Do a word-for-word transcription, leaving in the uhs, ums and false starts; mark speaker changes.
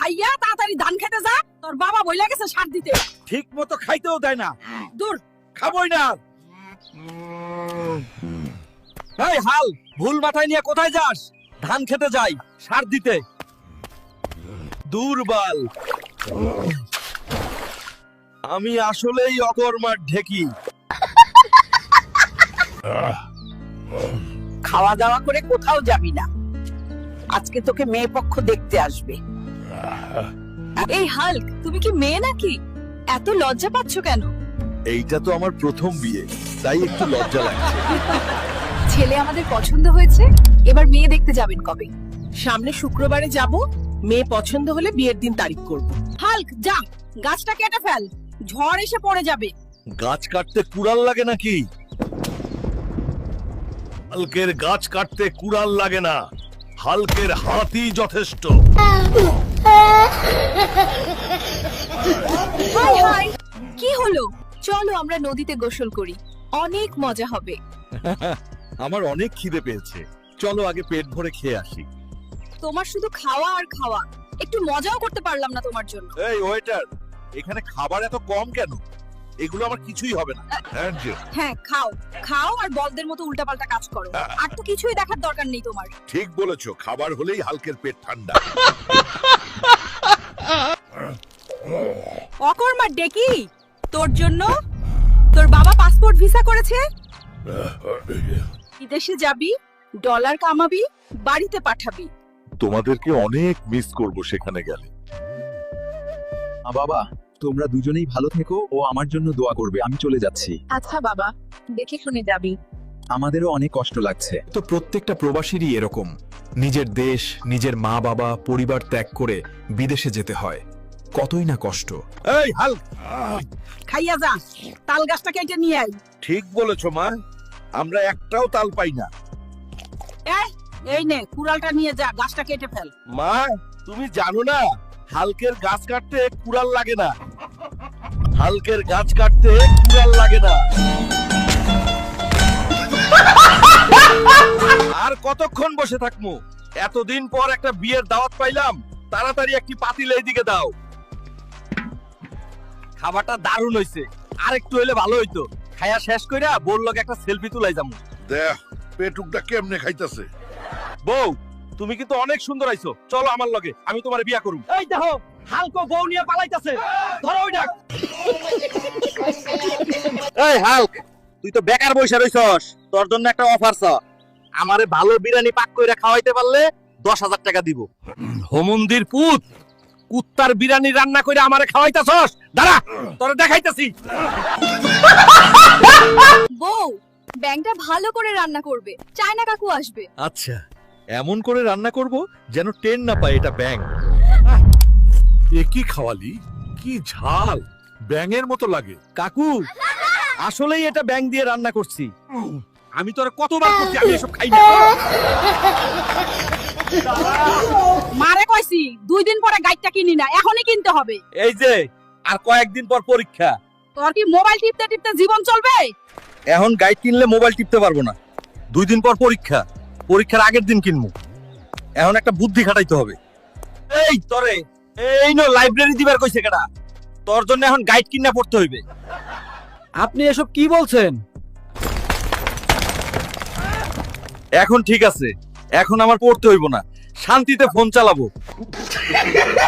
Speaker 1: খাইয়া তাড়াতাড়ি ধান খেতে যা, তোর বাবা বইলা গেছে সার দিতে।
Speaker 2: ঠিক মতো খাইতেও দেয় না।
Speaker 1: দূর।
Speaker 2: খাবই না। এই হাল, ভুল মাথায় নিয়ে কোথায় যাস? ধান খেতে যাই, সার দিতে। দুর্বল। আমি আসলেই অকর্মার ঢেকি।
Speaker 1: খাওয়া দাওয়া করে কোথাও যাবি না, আজকে তোকে মেয়ে পক্ষ দেখতে আসবে।
Speaker 3: এই হাল্ক, তুমি কি মেয়ে নাকি? এত লজ্জা পাচ্ছ কেন?
Speaker 2: এইটা তো আমার প্রথম বিয়ে, তাই একটু লজ্জা লাগছে।
Speaker 3: ছেলে আমাদের পছন্দ হয়েছে, এবার মেয়ে দেখতে যাবেন কবে?
Speaker 1: সামনে শুক্রবারে যাব, মেয়ে পছন্দ হলে বিয়ের দিন তারিখ করব। হাল্ক যা, গাছটা কেটে ফেল, ঝড় এসে পড়ে যাবে।
Speaker 2: গাছ কাটতে কুড়াল লাগে নাকি? হালকের গাছ কাটতে কুড়াল লাগে না, হালকের হাতই যথেষ্ট।
Speaker 3: হাই হাই, কি হলো? চলো আমরা নদীতে গোসল করি, অনেক মজা হবে।
Speaker 2: আমার অনেক খিদে পেয়েছে, চলো আগে পেট ভরে খেয়ে আসি।
Speaker 3: তোমার শুধু খাওয়া আর খাওয়া, একটু মজাও করতে পারলাম না তোমার জন্য।
Speaker 2: এই ওয়েটার, এখানে খাবার এত কম কেন? এগুলো আমার কিছুই হবে না।
Speaker 3: হ্যাঁ খাও, খাও আর বলদের মতো উল্টাপাল্টা কাজ করো, আর তো কিছুই দেখার দরকার নেই তোমার।
Speaker 2: ঠিক বলেছো, খাবার হলেই হালকের পেট ঠান্ডা।
Speaker 3: অকর্মা ডেকি, তোর জন্য তোর বাবা পাসপোর্ট ভিসা করেছে। বিদেশে যাবি, ডলার কামাবি, বাড়িতে পাঠাবি।
Speaker 2: তোমাদেরকে অনেক মিস করব সেখানে গেলে।
Speaker 4: বাবা, তোমরা দুজনেই ভালো থেকো ও আমার জন্য দোয়া করবে। আমি চলে যাচ্ছি।
Speaker 3: আচ্ছা বাবা, দেখে শুনে যাবি।
Speaker 4: আমাদেরও অনেক কষ্ট লাগছে।
Speaker 5: তো প্রত্যেকটা প্রবাসীরই এরকম, নিজের দেশ, নিজের মা বাবা, পরিবার ত্যাগ করে বিদেশে যেতে হয়। কতই না কষ্ট।
Speaker 2: এই হাল,
Speaker 1: খাইয়া যা, তাল গাছটা কেটে নিয়ে আই।
Speaker 2: ঠিক বলেছো মা, আমরা একটাও তাল পাই না।
Speaker 1: এই, এই নে কুড়ালটা নিয়ে যা, গাছটা কেটে ফেল।
Speaker 2: মা, তুমি জানো না হালকের গাছ কাটতে কুড়াল লাগে না। হালকের গাছ কাটতে কুড়াল লাগে না। আর কতক্ষণ বসে থাকবো? এতদিন পর একটা বিয়ের দাওয়াত পাইলাম, তাড়াতাড়ি একটি পাতিল এইদিকে দাও। খাবারটা দারুণ হইছে, আর একটু হইলে ভালো হইতো। খায়া শেষ কইরা বউর লগে একটা সেলফি তুলাই যামু।
Speaker 6: দেখ পেটুকটা কেমনে খাইতাছে।
Speaker 2: বউ, তুমি কিন্তু অনেক সুন্দর আইছো, চলো আমার লগে, আমি তোমার বিয়া করুম। এই দেখো, হালকো বউ নিয়ে পালাইতাছে, ধরো ওই ডাক। এই হালক, তুই তো বেকার বইসা রইছস, তোর জন্য একটা অফার ছ। আমারে ভালো বিরিয়ানি পাক কইরা খাওয়াইতে পারলে দশ হাজার টাকা দিব। হোমন্দির পুত, কুত্তার বিরিয়ানি রান্না কইরা আমারে খাওয়াইতাছস? দাঁড়া, তোরে দেখাইতাছি।
Speaker 3: বউ, ব্যাংকটা ভালো করে রান্না করবে, চায়না কাকু আসবে।
Speaker 2: আচ্ছা, এমন করে রান্না করব যেন টেন না পায় এটা ব্যাং।
Speaker 6: এ কি খাওয়ালি? কি ঝাল, ব্যাঙের মতো লাগে।
Speaker 2: কাকু, আসলেই এটা ব্যাং দিয়ে রান্না করছি। আমি তোরে কতবার করছি আমি এসব খাই না।
Speaker 1: মারে কইছি দুই দিন পরে গাইডটা কিনি না, এখনই কিনতে হবে।
Speaker 2: এই যে আর কয়েকদিন পর পরীক্ষা,
Speaker 1: তোর কি মোবাইল টিপতে টিপতে জীবন চলবে?
Speaker 2: এখন গাইড কিনলে মোবাইল টিপতে পারবো না। দুই দিন পর পরীক্ষা, পরীক্ষার আগের দিন কিনবো। এখন একটা বুদ্ধি খাটাইতে হবে। এই তরে, এই নো লাইব্রেরি দিবার কইছে কেডা? তোর জন্য এখন গাইড কিনা পড়তে হইবে।
Speaker 7: আপনি এসব কি বলছেন?
Speaker 2: এখন ঠিক আছে, এখন আমার পড়তে হইব না, শান্তিতে ফোন চালাবো।